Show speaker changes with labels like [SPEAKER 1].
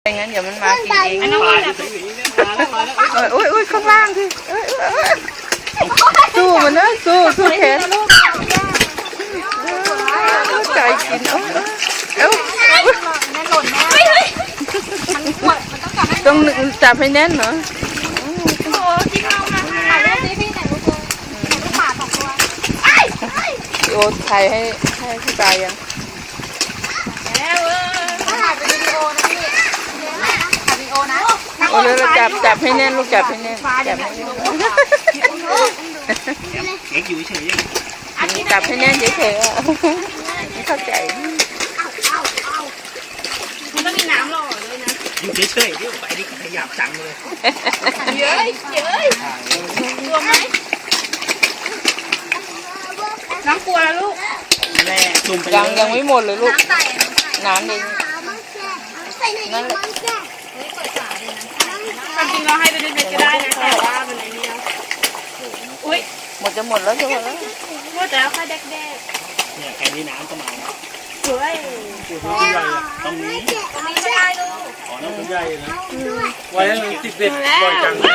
[SPEAKER 1] ไม่งั้นเดี๋ยวมันมากินเอง
[SPEAKER 2] อันนั้นมันแบบ
[SPEAKER 1] อุ้ยข้างล่างที่สู้มันนะสู้แขนใจกินเอ้า
[SPEAKER 2] แน่นหล่นแน่มันขวดมันต้องจับให้
[SPEAKER 1] ต้องจับให้แน่นเหรอ
[SPEAKER 2] โอ้จริงเอามาถ่ายรูปดิพี่ไหนลูกเลยลูกป่า2 ตัว
[SPEAKER 1] โอ้ถ่ายให้พี่ปลายัง
[SPEAKER 2] แล้วถ่ายเป็นวิดีโอนะพี่ถ่ายวิดีโอนะ
[SPEAKER 1] โอ้แล้วจับให้แน่นลูกจับให้แน่นจับให้แน่น
[SPEAKER 3] เอ็กอยู่เฉย
[SPEAKER 1] จับให้แน่นเฉยๆไม่เข้าใจ
[SPEAKER 2] มันต้องมีน้ำหล่อด้วยนะ
[SPEAKER 3] อยู่เฉยๆเดี๋ยวไปดิขยับจังเลย
[SPEAKER 2] เย้ยกลัวไหมน้ำกลัวแล้วลูก
[SPEAKER 3] แม่จุ่มไป
[SPEAKER 1] ยังไม่หมดเลยลูก
[SPEAKER 2] น้ำใส่
[SPEAKER 1] น้ำเอง นั่นแหละ
[SPEAKER 2] ความจริงเราให้ไปเล็กๆก็ได้นะแต่ว่ามันไอ้นี่อุ้ย
[SPEAKER 1] หมดแล้วจะหมดแล้ว
[SPEAKER 2] ว่าแต่แล้วค่อยแดก
[SPEAKER 3] เนี่ยแค่นี้น้ำก็มาแล้ว
[SPEAKER 2] สวย
[SPEAKER 3] ตัวใหญ่ตรงนี้
[SPEAKER 2] ตรงนี้ไม่ได้ลูก
[SPEAKER 3] อ๋อน้ำตัวใหญ่นะ
[SPEAKER 4] ไว้ให้มันติดเด็ดบ่อยจัง